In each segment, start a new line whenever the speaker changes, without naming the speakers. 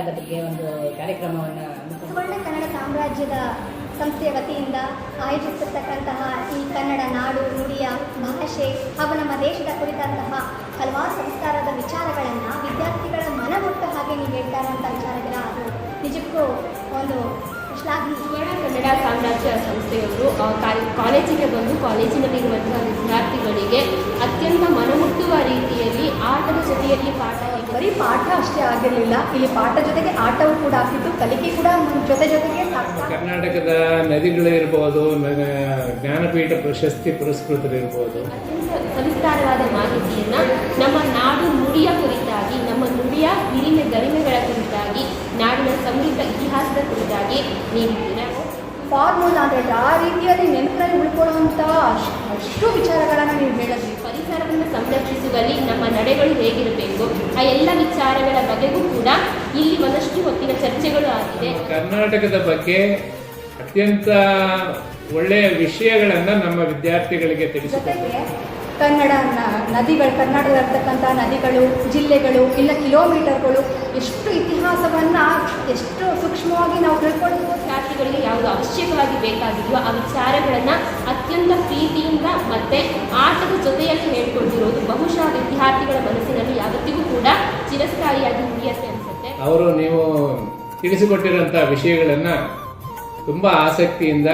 ಕನ್ನಡದ ಬಗ್ಗೆ ಒಂದು ಕಾರ್ಯಕ್ರಮವನ್ನು
ಸುವರ್ಣ ಕನ್ನಡ ಸಾಮ್ರಾಜ್ಯದ ಸಂಸ್ಥೆಯ ವತಿಯಿಂದ ಆಯೋಜಿಸಿರ್ತಕ್ಕಂತಹ ಈ ಕನ್ನಡ ನಾಡು ನುಡಿಯ ಭಾಷೆ ಹಾಗೂ ನಮ್ಮ ದೇಶದ ಕುರಿತಂತಹ ಹಲವಾರು ಸಂಸ್ಕಾರದ ವಿಚಾರಗಳನ್ನು ವಿದ್ಯಾರ್ಥಿಗಳ ಮನಮುಟ್ಟ ಹಾಗೆ ನೀವು ಹೇಳ್ತಾ ಇರುವಂಥ ವಿಚಾರಗಳ ಅದು ನಿಜಕ್ಕೂ ಒಂದು ಶ್ಲಾಘನೀಯ.
ಸುವರ್ಣ ಕನ್ನಡ ಸಾಮ್ರಾಜ್ಯ ಸಂಸ್ಥೆಯವರು ಕಾಲೇಜಿಗೆ ಬಂದು ಕಾಲೇಜಿನಲ್ಲಿರುವಂತಹ ವಿದ್ಯಾರ್ಥಿಗಳಿಗೆ ಅತ್ಯಂತ ಮನಮುಟ್ಟುವ ರೀತಿಯಲ್ಲಿ ಆಟದ ಜೊತೆಯಲ್ಲಿ
ಬರೀ ಪಾಠ ಅಷ್ಟೇ ಆಗಿರಲಿಲ್ಲ, ಇಲ್ಲಿ ಪಾಠ ಜೊತೆಗೆ ಆಟವೂ ಕೂಡ ಆಗ್ತಿತ್ತು, ಕಲಿಕೆ ಕೂಡ ಜೊತೆಗೆ
ಕರ್ನಾಟಕದ ನದಿಗಳು ಇರ್ಬೋದು, ಜ್ಞಾನಪೀಠ ಪ್ರಶಸ್ತಿ ಪುರಸ್ಕೃತರಿರ್ಬೋದು.
ಅತ್ಯಂತ ಸವಿಸ್ತಾರವಾದ ಮಾಹಿತಿಯನ್ನ ನಮ್ಮ ನಾಡು ನುಡಿಯ ಕುರಿತಾಗಿ, ನಮ್ಮ ನುಡಿಯ ಹಿರಿಮೆ ಗರಿಮೆಗಳ ಕುರಿತಾಗಿ, ನಾಡಿನ ಸಮೃದ್ಧ ಇತಿಹಾಸದ ಕುರಿತಾಗಿ ನೀಡಿದ್ದೀರಾ.
ಫಾರ್ಮುಲಾ ಅಂದರೆ ಆ ರೀತಿಯಲ್ಲಿ ನೆನಪಿನಲ್ಲಿ ಉಳ್ಕೊಳ್ಳುವಂಥ ಅಷ್ಟು ವಿಚಾರಗಳನ್ನು ನೀವು ಹೇಳಿದ್ರಿ.
ಪರಿಸರವನ್ನು ಸಂರಕ್ಷಿಸುವಲ್ಲಿ ನಮ್ಮ ನಡೆಗಳು ಹೇಗಿರಬೇಕು, ಆ ಎಲ್ಲ ವಿಚಾರಗಳ ಬಗೆಗೂ ಕೂಡ ಇಲ್ಲಿ ಒಂದಷ್ಟು ಹೊತ್ತಿನ ಚರ್ಚೆಗಳು ಆಗಿದೆ.
ಕರ್ನಾಟಕದ ಬಗ್ಗೆ ಅತ್ಯಂತ ಒಳ್ಳೆಯ ವಿಷಯಗಳನ್ನು ನಮ್ಮ ವಿದ್ಯಾರ್ಥಿಗಳಿಗೆ ತಿಳಿಸುತ್ತಾರೆ.
ಕನ್ನಡ ನದಿಗಳು, ಕರ್ನಾಟಕದಲ್ಲಿರ್ತಕ್ಕಂಥ ನದಿಗಳು, ಜಿಲ್ಲೆಗಳು, ಇಲ್ಲ ಕಿಲೋಮೀಟರ್ಗಳು, ಎಷ್ಟು ಇತಿಹಾಸವನ್ನು ಎಷ್ಟು ಸೂಕ್ಷ್ಮವಾಗಿ ನಾವು ತಿಳ್ಕೊಳ್ಳೋದು.
ವಿದ್ಯಾರ್ಥಿಗಳಿಗೆ ಯಾವುದು ಅವಶ್ಯಕವಾಗಿ ಬೇಕಾಗಿದೆಯೋ ಆ ವಿಚಾರಗಳನ್ನು ಅತ್ಯಂತ ಪ್ರೀತಿಯಿಂದ ಮತ್ತು ಆಟದ ಜೊತೆಯಲ್ಲಿ ಹೇಳ್ಕೊಳ್ತಿರೋದು ಬಹುಶಃ ವಿದ್ಯಾರ್ಥಿಗಳ ಮನಸ್ಸಿನಲ್ಲಿ ಯಾವತ್ತಿಗೂ ಕೂಡ ಚಿರಸ್ಥಾಯಿಯಾಗಿ ಉಳಿಯುತ್ತೆ ಅನಿಸುತ್ತೆ.
ಅವರು ನೀವು ತಿಳಿಸಿಕೊಟ್ಟಿರೋಂಥ ವಿಷಯಗಳನ್ನು ತುಂಬ ಆಸಕ್ತಿಯಿಂದ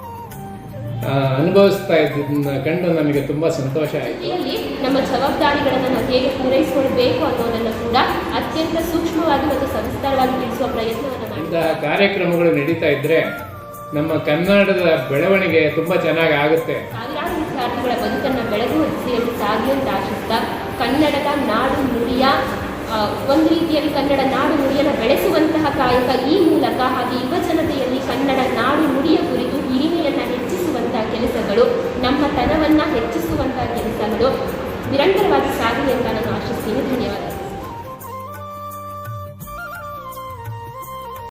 ಅನುಭವಿಸ್ತಾ ಇದ್ದದನ್ನ ಕಂಡು ನಮಗೆ ತುಂಬ ಸಂತೋಷ ಆಯಿತು.
ಇಲ್ಲಿ ನಮ್ಮ ಜವಾಬ್ದಾರಿಗಳನ್ನು ನಾವು ಹೇಗೆ ಪೂರೈಸಿಕೊಳ್ಬೇಕು ಅನ್ನೋದನ್ನು ಕೂಡ ಅತ್ಯಂತ ಸೂಕ್ಷ್ಮವಾಗಿ ಮತ್ತು ಸವಿಸ್ತಾರವಾಗಿ ತಿಳಿಸುವ ಪ್ರಯತ್ನವನ್ನು ಮಾಡಿ.
ಇಂತಹ ಕಾರ್ಯಕ್ರಮಗಳು ನಡೀತಾ ಇದ್ದರೆ ನಮ್ಮ ಕನ್ನಡದ ಬೆಳವಣಿಗೆ ತುಂಬ ಚೆನ್ನಾಗಿ ಆಗುತ್ತೆ.
ಸಾವಿರಾರು ವಿದ್ಯಾರ್ಥಿಗಳ ಬದುಕನ್ನು ಬೆಳಗು ದಿಸೆಯಲ್ಲಿ ಸಾಗಿ ಅಂತ ಆಶಿಸ್ತಾ ಕನ್ನಡದ ನಾಡು ನುಡಿಯ ಒಂದು ರೀತಿಯಲ್ಲಿ ಕನ್ನಡ ನಾಡು ನುಡಿಯನ್ನು ಬೆಳೆಸುವಂತಹ ಕಾಯಕ ಈ ಮೂಲಕ ಹಾಗೆ ಯುವ ಜನತೆಯಲ್ಲಿ ಕನ್ನಡ ನಾಡು ನುಡಿಯ ಕುರಿತು ಹಿರಿಮೆಯನ್ನು ಹೆಚ್ಚಿಸುವಂತಹ ಕೆಲಸಗಳು, ನಮ್ಮ ತನವನ್ನು ಹೆಚ್ಚಿಸುವಂತಹ